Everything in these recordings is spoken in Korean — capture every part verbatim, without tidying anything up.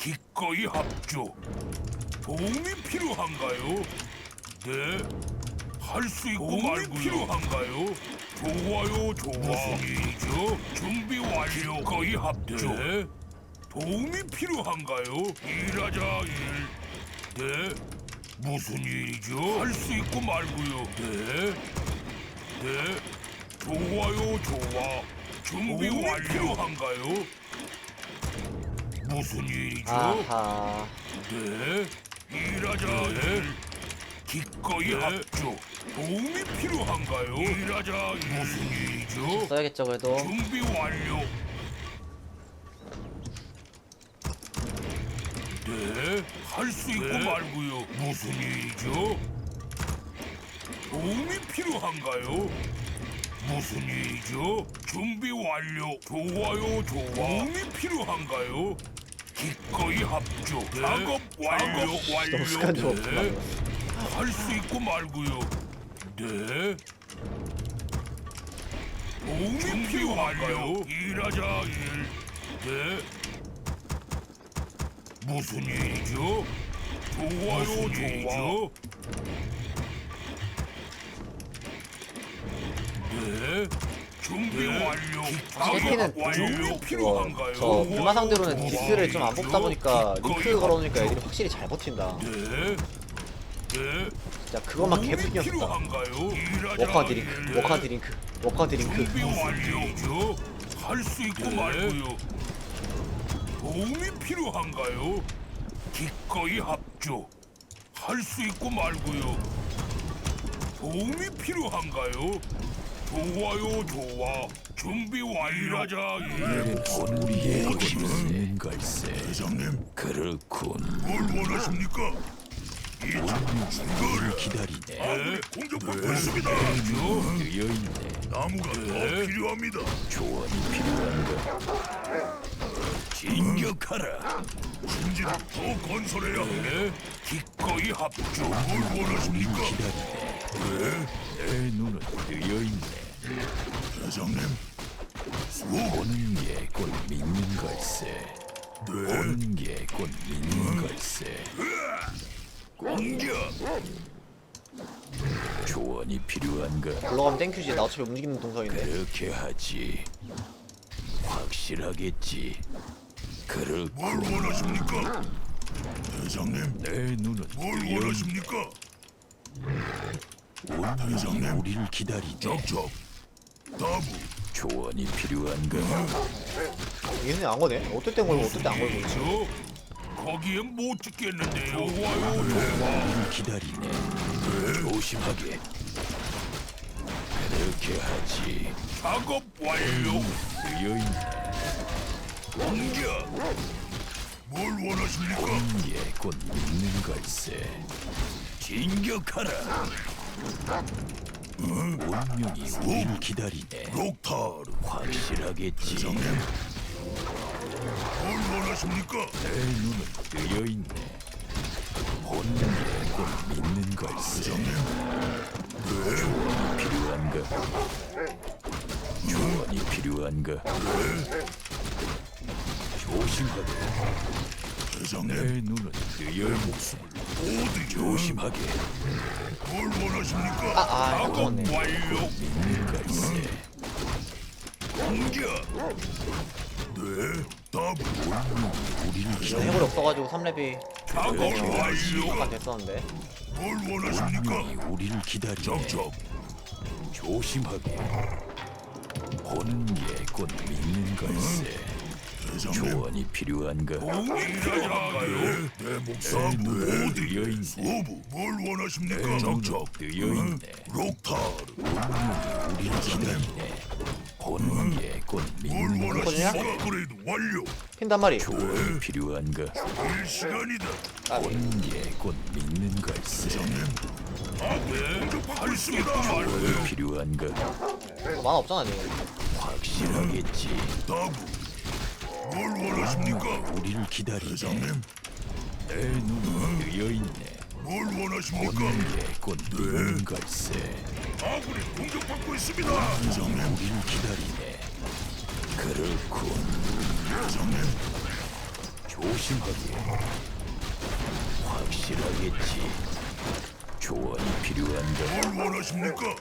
기꺼이 합주. 도움이 필요한가요? 네. 할 수 있고 말고요. 필요한가요? 좋아요, 좋아. 무슨 일이죠? 준비 완료. 기꺼이 합주. 네. 도움이 필요한가요? 일하자 일. 네. 무슨 일이죠? 할 수 있고 말고요. 네. 네. 좋아요, 좋아. 준비 완료. 필요한가요? 무슨 일이죠? 아하. 네. 일하자 일. 기꺼이 합주. 도움이 필요한가요? 일하자 일. 무슨 일이죠? 써야겠죠 그래도. 준비 완료. 네, 할 수 있고 말고요. 무슨 일이죠? 도움이 필요한가요? 무슨 일이죠? 준비 완료. 좋아요, 좋아. 도움이 필요한가요? 기꺼이 합주. 작업 완료. 완료. 너무 습관이 없구나. 할 수 있고 말고요. 네. 도움이 필요한가요? 일하자 일. 네. 무슨 일이죠? 좋아요, 좋아. 네. 준비 완료. 캐피는 완료. 그거 필요한가요? 저 불마 상대로는 무슨 디스를 좀 안 뽑다 보니까 일이죠? 링크 걸어놓으니까 애들이 확실히 잘 버틴다. 네. 네. 진짜 그것만 개풀이었다. 필요한가요? 워커 드링크, 워커 드링크, 워커 드링크. 준비 완료죠. 할 수 있고 말고요. 도움이 필요한가요? 기꺼이 합주. 할 수 있고 말고요. 도움이 필요한가요? 좋아요, 좋아. 준비 완료하자. 우리의 힘은 걸세. 대장님, 그렇군. 뭘 원하십니까? 이 우리를 기다리네. 네, 공격받고 있습니다. 뜨여있네. 나무가 더 필요합니다. 조언이 필요한가? 진격하라. 진지를 더 건설해야 해. 기꺼이 합주. 뭘 우리를 원하십니까? 기다리네. 내 눈은 뜨여있네. 대장님, 보는 게 곧 믿는 걸세. 네. 보는 게 곧 믿는 걸세. 공격. 조언이 필요한가? 올라가면 땡큐지. 나 어차피 움직이는 동선인데. 그렇게 하지. 확실하겠지. 뭘 그렇군. 원하십니까? 대장님, 내 눈은 뭘 뜨여있네. 원하십니까? 운명이 우리를 기다리네. 적적. 다부. 조언이 필요한가? 얘는 안 거네. 어떨 땐 걸고 어떨 땐 안 걸고 있지. 저 거기엔 못 찍겠는데요. 좋아요, 우리를 기다리네. 조심하게. 그렇게 하지. 작업 완료. 뜨여있네. 공격. 뭘 원하십니까? 보는 게 곧 믿는 걸세. 진격하라. 운명이 우리를 기다리네. 록타르. 확실하겠지. 뭘 원하십니까? 내 눈은 뜨여있네. 보는 게 곧 믿는 걸세. 조언이 필요한가? 조언이 필요한가? 조심하게. 내 대장님, 눈은 뜨여있네. 어디 조심하게. 뭘 원하십니까? 아, 아, 이거 작업 먹었네. 완료. 믿는 걸세. 공격. 네, 다부. 운명이 우리를 나 기다리네. 해골이 없어가지고 삼 렙이 작업 완료. 안 됐었는데. 뭘 원하십니까? 운명이 우리를 기다리네. 적적. 조심하게. 보는 게 곧 믿는 걸세. 대장님, 조언이 필요한가? 공이 필요한가요? 내 목숨 눈은 어디? 뜨여있네. 소부. 뭘 원하십니까? 내 눈은 적적. 뜨여있네. 록타르. 운명이 우리를 기다리네. 보는 게 곧 뭘 믿는 걸. 원하십니까? 업그레이드 완료. 핀 한 마리. 조언이 필요한가? 일 시간이다. 까비. 보는 게 곧 믿는 걸세. 아, 네. 공격받고 있습니다. 조언이 필요한가? 만화 없잖아 지금. 확실하겠지. 다부. 뭘 원하십니까? 우리를 기다리네. 대장님, 내 눈은 뜨여있네. 뭘 원하십니까? 보는 게 곧 믿는 걸세. 아군이 공격받고 있습니다. 대장님, 우리를 기다리네. 그렇군. 대장님, 조심하게. 확실하겠지. 조언이 필요한가? 뭘 원하십니까?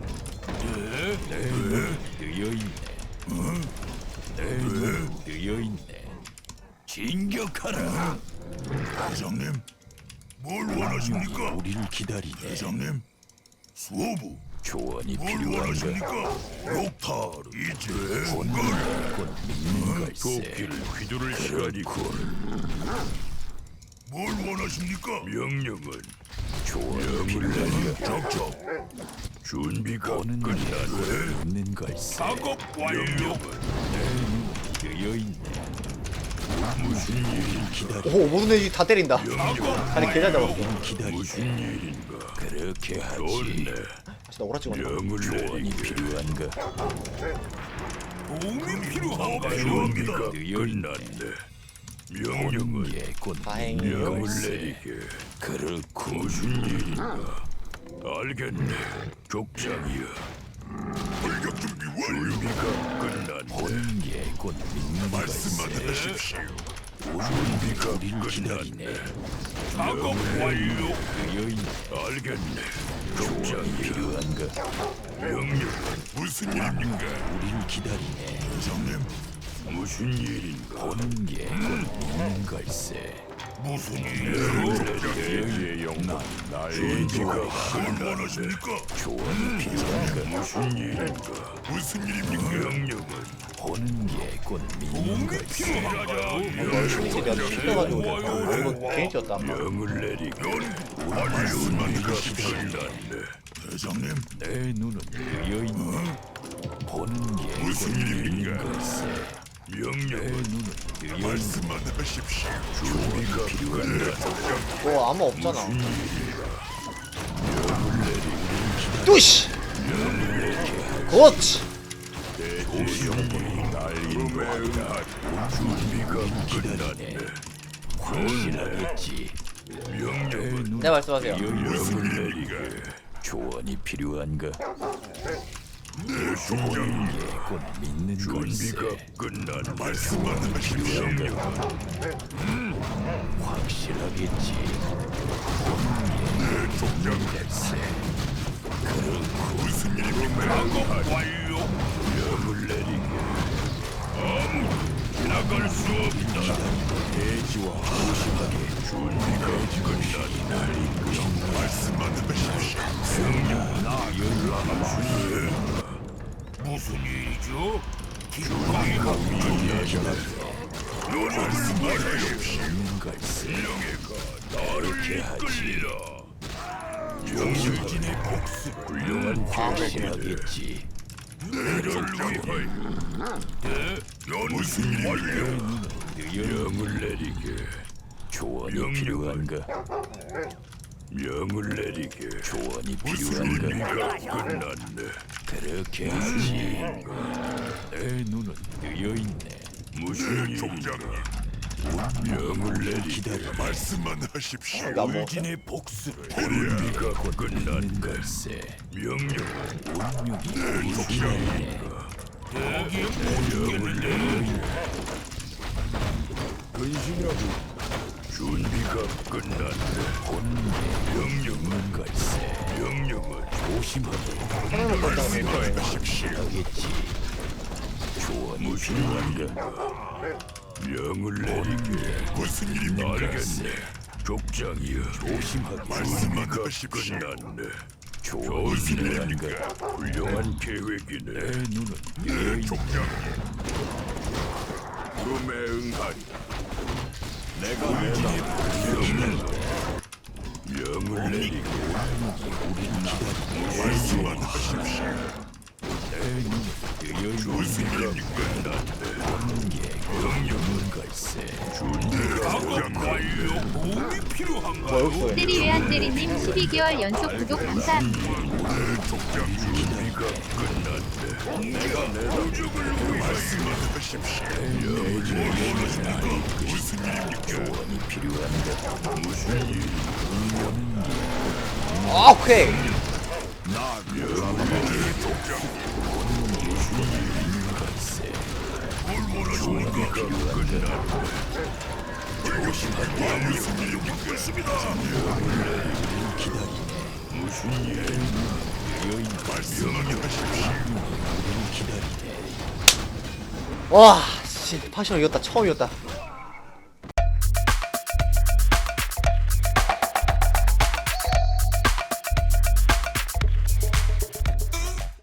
내 눈은 뜨여있네. 내 눈은 뜨여있네. 진격하라. 대장님, 뭘 원하십니까? 우리를 기다리네. 대장님, 수호부, 조언이 뭘 필요한가? 원하십니까? 욕타르, 이제 본능에 곧 믿는 걸세. 도끼를 휘두를 시간이군. 뭘 원하십니까? 명령은 조언이 필요한가? 적적. 준비가 보는 게 끝났네. 믿는 걸세. 작업 완료. 뜨여있네. 무슨 일을 기다리? 오 모든 애들이 다 때린다. 다리 개잘 잡았어. 기다리네. 무슨 일인가? 그렇게 하지. 좋네. 진짜 오라 찍었네. 명을 조언이 내리게. 필요한가? 도움이 필요한가요? 준비가 끝났네. 명령은 예곧 다행이에요. 믿는 명을 걸세. 내리게. 그렇고 무슨 일인가? 알겠네. 족장이야. 돌격 준비 완료. 준비가 끝났네. 보는 게곧 믿는 말씀만 걸세. 하십시오. 준비가 우리를 기다리네. 작업 완료. 뜨여있네. 알겠네. 조언이 족장이야. 필요한가? 명령은 무슨 일입니까? 우리를 기다리네. 대장님, 무슨 일인가? 보는 게곧 믿는 걸세. 무슨 일이죠? 여의 영난 나의 준비가 조언이 뭘 원하십니까? 조언이 필요한가? 무슨 일인가? 무슨 일입니까? 명령은 보는 게곧 믿는 걸세. 이거 신이 내가 튕겨가지고 그랬어. 이거 괜히 뛰었다. 명을 내리게. 말씀하니까 끝났네. 대장님, 내 눈은 뜨여있네. 보는 게곧 무슨 믿는 일입니까? 걸세. 내 명령은 눈은 뜨여있네. 말씀만 하십시오. 준비가 끝났네. 너 아무 없잖아. 뚜시. 그렇지. 대조영이 날린다. 준비가 끝났네. 확실하겠지. 내 눈은 네 말씀하세요. 명을 내리게. 조언이 필요한가? 보는 게곧 믿는 준비가 걸세. 끝난 말씀만 하십시오. 확실하겠지. 보는 게 믿는 걸세. 무슨 일입니까? 작업 완료. 명을 내리게. 아무 지나갈 수 없다. 대지와 조심하게 준비가 끝났네. 말씀만 하십시오. 무슨 일이죠? 기꺼이 합주하시네. 말씀만 하십시오. 믿는 걸세. 명예가 나를 이끌리라. 정신진의 복수 훌륭한 확실하겠지. 대를 위하여. 네, 무슨 일이야? 명을 내리게. 조언이 명령은 필요한가? 명을 내리게. 조언이 무슨 필요한가? 일이가 끝났네. 그렇게 하지. 내 눈은 뜨여있네. 무슨 일인가? 명을 내리게. 기다려. 말씀만 하십시오. 나 뭐. 울진의 복수를 준비가 믿는 끝났네. 걸세. 명령은 운명이 우리 기다리네. 명을 내리게. 근신하고 준비가 끝났네. 보는 게 명령은 믿는 걸세. 명령은 조심하게 하나만 걸다가 내 하십시오. 하겠지. 조언이 필요한가? 명을 내리게. 무슨 일입니까? 알겠네. 족장이여. 조심하게 말씀만 하십시오. 끝났네. 조언이 무슨 필요한가? 일입니까? 훌륭한 계획이네. 내 눈은 뜨여있네. 족장이여. 꿈에 응하리. 내가 울진의 복수를 명을 내리게. 말씀만 하십시오. 내 눈은 뜨여있네. 무슨 일입니까? 끝났네. 보는 게 명령은 걸세. 작업 완료. 도움이 필요한가? 뭐 여기 때리 외환때리님 십이 개월 연속 구독 감사합니다. 족장 준비가 끝났네. 내가 내 도적을 위해 말씀만 하십시오. 뭘 원하십니까? 무슨 일입니까? 조언이 필요한가? 무슨 일? 아 오케이. 나 명의 족장. 걸세. 뭘 원하십니까? 끝났네. 있습니다. 무슨 일이 여인 말씀하게 하십시오. 와, 씨, 파시널 이겼다. 처음 이겼다.